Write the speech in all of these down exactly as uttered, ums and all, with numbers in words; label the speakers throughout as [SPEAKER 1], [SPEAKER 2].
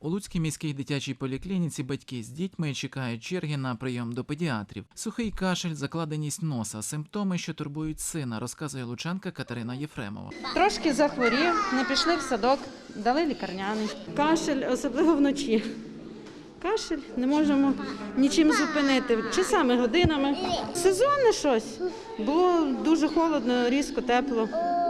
[SPEAKER 1] У Луцькій міській дитячій поліклініці батьки з дітьми чекають черги на прийом до педіатрів. Сухий кашель, закладеність носа – симптоми, що турбують сина, розказує лучанка Катерина Єфремова.
[SPEAKER 2] Трошки захворів, не пішли в садок, дали лікарняний. Кашель, особливо вночі. Кашель, не можемо нічим зупинити, часами, годинами. Сезонне щось. Було дуже холодно, різко, тепло.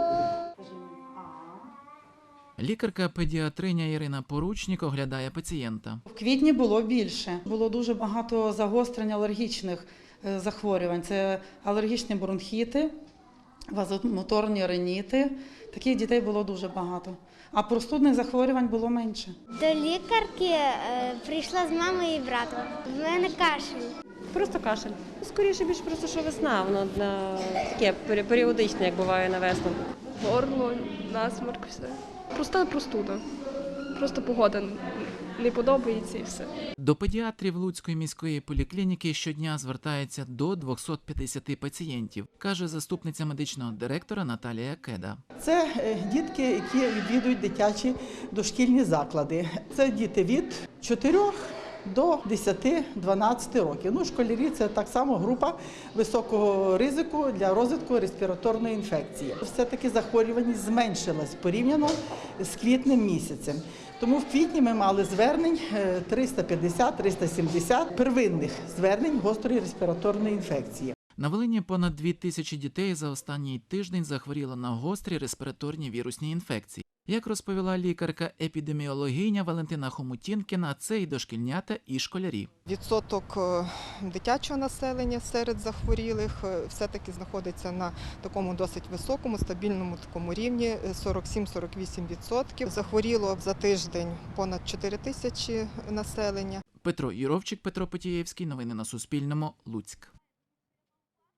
[SPEAKER 1] Лікарка-педіатриня Ірина Поручнік оглядає пацієнта.
[SPEAKER 3] В квітні було більше. Було дуже багато загострень алергічних захворювань. Це алергічні бронхіти, вазомоторні риніти. Таких дітей було дуже багато. А простудних захворювань було менше.
[SPEAKER 4] До лікарки е, прийшла з мамою і братом. В мене кашель.
[SPEAKER 5] Просто кашель. Скоріше більше просто, що весна, воно на таке періодичне, як буває на весну.
[SPEAKER 6] Горло, насморк, все. Проста простуда. Просто погода не подобається і все.
[SPEAKER 1] До педіатрів Луцької міської поліклініки щодня звертається до двохсот п'ятдесят пацієнтів, каже заступниця медичного директора Наталія Кеда.
[SPEAKER 7] Це дітки, які відвідують дитячі дошкільні заклади. Це діти від чотирьох до десяти-дванадцяти років. Ну, школярі – це так само група високого ризику для розвитку респіраторної інфекції. Все-таки захворюваність зменшилась порівняно з квітнем місяцем. Тому в квітні ми мали звернень триста п'ятдесят - триста сімдесят первинних звернень гострої респіраторної інфекції.
[SPEAKER 1] На Волині понад дві тисячі дітей за останній тиждень захворіло на гострі респіраторні вірусні інфекції. Як розповіла лікарка-епідеміологиня Валентина Хомутінкіна, це і дошкільнята, і школярі.
[SPEAKER 8] Відсоток дитячого населення серед захворілих все-таки знаходиться на такому досить високому, стабільному такому рівні – сорок сім - сорок вісім відсотків. Захворіло за тиждень понад чотири тисячі населення.
[SPEAKER 1] Петро Юровчик, Петро Потієвський. Новини на Суспільному. Луцьк.